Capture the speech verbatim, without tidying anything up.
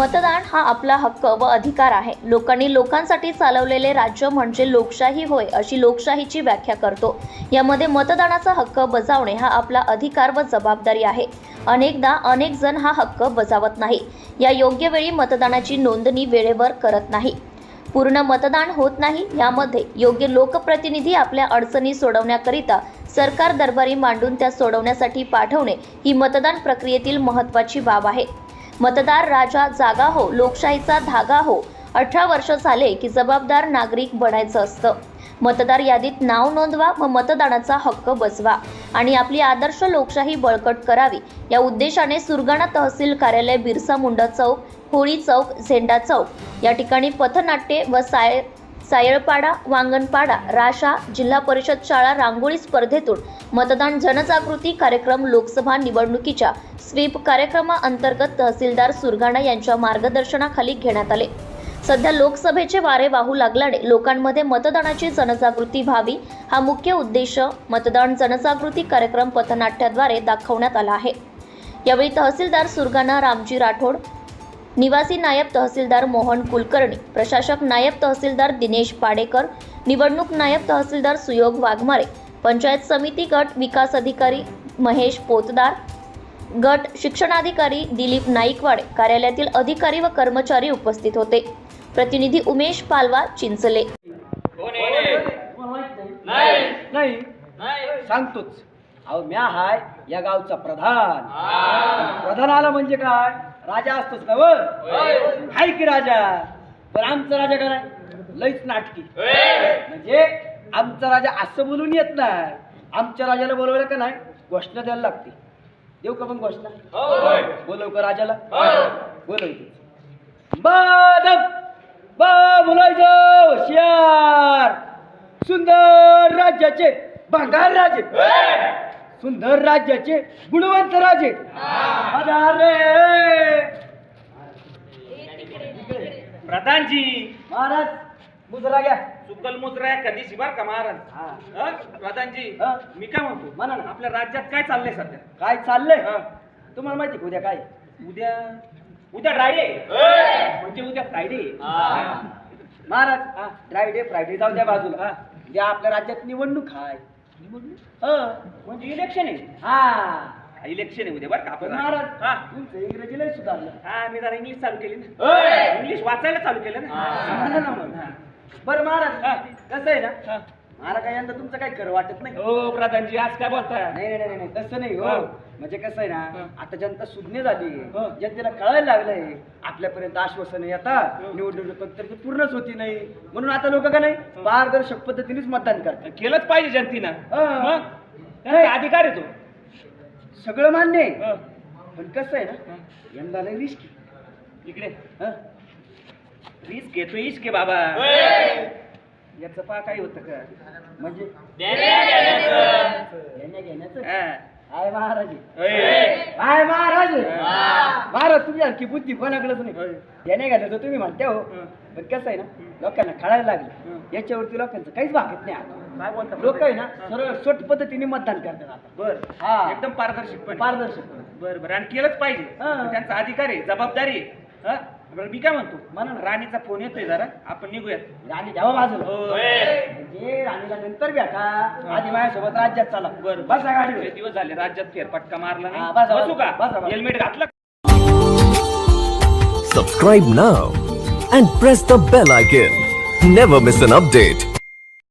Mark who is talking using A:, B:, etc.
A: मतदान हा आपला हक्क व अधिकार आहे. लोकांनी लोकांसाठी चालवलेले राज्य म्हणजे लोकशाही होय, अशी लोकशाहीची व्याख्या करतो. यामध्ये मतदानाचा हक्क बजावणे हा आपला अधिकार व जबाबदारी आहे. अनेकदा अनेक जण हा हक्क बजावत नाही. या योग्य वेळी मतदानाची नोंदणी वेळेवर करत नाही. पूर्ण मतदान होत नाही. यामध्ये योग्य लोकप्रतिनिधी आपल्या अडचणी सोडवण्याकरिता सरकार दरबारी मांडून त्या सोडवण्यासाठी पाठवणे ही मतदान प्रक्रियेतील महत्त्वाची बाब आहे. मतदार राजा जागा हो, लोकशाहीचा धागा हो. अठरा वर्ष झाले की जबाबदार नागरिक बनायचं असतं. मतदार यादीत नाव नोंदवा व मतदानाचा हक्क बजवा आणि आपली आदर्श लोकशाही बळकट करावी. या उद्देशाने सुरगाणा तहसील कार्यालय, बिरसा मुंडा चौक, होळी चौक, झेंडा चौक या ठिकाणी पथनाट्ये व साय सायळपाडा, वांगणपाडा, राशा, जिल्हा परिषद शाळा रांगोळी स्पर्धेतून मतदान जनजागृती कार्यक्रम लोकसभा निवडणुकीच्या स्वीप कार्यक्रमाअंतर्गत तहसीलदार सुरगाणा यांच्या मार्गदर्शनाखाली घेण्यात आले. सध्या लोकसभेचे वारे वाहू लागल्याने लोकांमध्ये मतदानाची जनजागृती व्हावी हा मुख्य उद्देश मतदान जनजागृती कार्यक्रम पथनाट्याद्वारे दाखवण्यात आला आहे. यावेळी तहसीलदार सुरगाणा रामजी राठोड, निवासी नायब तहसीलदार मोहन कुलकर्णी, प्रशासक नायब तहसीलदार दिनेश पाडेकर, निवडणूक नायब तहसीलदार सुयोग वाघमारे, पंचायत समिती गट विकास अधिकारी महेश पोतदार, गट शिक्षणाधिकारी दिलीप नाईकवाडे, कार्यालयातील अधिकारी व कर्मचारी उपस्थित होते. प्रतिनिधी उमेश पालवा, चिंचले.
B: नाही सांगतोच. अहो म्या हाय या गावचा प्रधान. प्रधान आला म्हणजे काय, राजा असतोच ना व हाय की राजा. पण आमचा राजा काय लईच नाटकी. म्हणजे आमचा राजा असं बोलून येत नाही. आमच्या राजाला बोलवलं का नाही घोषणा द्यायला लागते. देऊ का पण घोषणा? बोलव का राजाला? बोलवते. बदम बा बोलायचं होशियार. सुंदर राज्याचे भंगार राजे, सुंदर राज्याचे गुणवंत राजे.
C: प्रधानजी
B: महाराज मुजरा घ्या.
C: सुकल मुजरा कधी शिबार का महाराज? प्रधानजी
B: हा.
C: मी काय म्हणतो,
B: म्हणा ना.
C: आपल्या राज्यात काय चाललंय सध्या?
B: काय चाललंय तुम्हाला माहिती का? उद्या काय?
C: उद्या उद्या ड्रायडे म्हणजे उद्या फ्रायडे.
B: महाराज फ्रायडे फ्रायडे जाऊ द्या बाजूला. उद्या आपल्या राज्यात निवडणूक आहे.
C: निवडणूक म्हणजे इलेक्शन आहे.
B: हा
C: इलेक्शन आहे उद्या बरं का आपण.
B: महाराज
C: हा
B: तुमचं इंग्रजी लय सुधारलं.
C: हा मी जरा इंग्लिश चालू केली ना, इंग्लिश वाचायला चालू केलं
B: म्हणा ना मग.
C: ना.
B: बरं महाराज कसं आहे ना, मला काय यंदा तुमचं काही खरं वाटत नाही.
C: हो प्रधानजी आज काय बोलताय?
B: नाही नाही नाही तसं नाही हो.
C: हा.
B: म्हणजे कसं आहे
C: हा.
B: ना, आता जनता सुज्ञ झाली.
C: हा.
B: जनतेला कळायला लागलंय आपल्यापर्यंत आश्वासनं येतात, निवडणूक तर ती पूर्णच होती नाही. म्हणून आता लोक का नाही पारदर्शक पद्धतीनेच मतदान करतात.
C: केलंच पाहिजे जनतेनं.
B: हा.
C: मग त्यांचा अधिकार आहे तो.
B: सगळं मान्य आहे.
C: हा.
B: पण कसं आहे ना, यंदा लय रिस्की.
C: इकडे
B: हा.
C: रिस्क घेतो इश्क बाबा. याचं पा काही होतं का
B: म्हणजे घेण्या घेण्याचं
C: हा.
B: आहे महाराज.
C: होय.
B: आहे महाराज.
C: हा.
B: महाराज तुमच्यासारखी बुद्धी कोणाकडेच नाही.
C: होय.
B: घेण्या घ्यायचं तुम्ही म्हणता हो.
C: हं.
B: पण कसं आहे ना, लोकांना कळायला लागलं.
C: हं.
B: याच्यावरती लोकांचं काहीच भागत नाही आता.
C: काय बोलता?
B: लोक आहे ना सरळ सोट पद्धतीने मतदान करतात आता.
C: बर
B: हा.
C: एकदम पारदर्शक
B: पारदर्शक.
C: बर बर आणि केलंच पाहिजे.
B: हा.
C: त्यांचा अधिकार आहे, जबाबदारी आहे. हा? बरं मी काय म्हणतो,
B: म्हणा ना.
C: राणीचा फोन येतोय, जरा आपण निघूयात.
B: राणी द्यावा बाजूला.
C: होय.
B: म्हणजे राणीला नंतर भेटा, आधी माझ्यासोबत राज्यात चला.
C: बरं
B: बसा गाडीवर.
C: लय दिवस झाले राज्यात फेरफटका मारला
B: हा,
C: नाही.
B: बसा,
C: बसू का?
B: बसा, बसा.
C: हेल्मेट घातलं?
D: Subscribe now and press the bell icon. Never miss an update.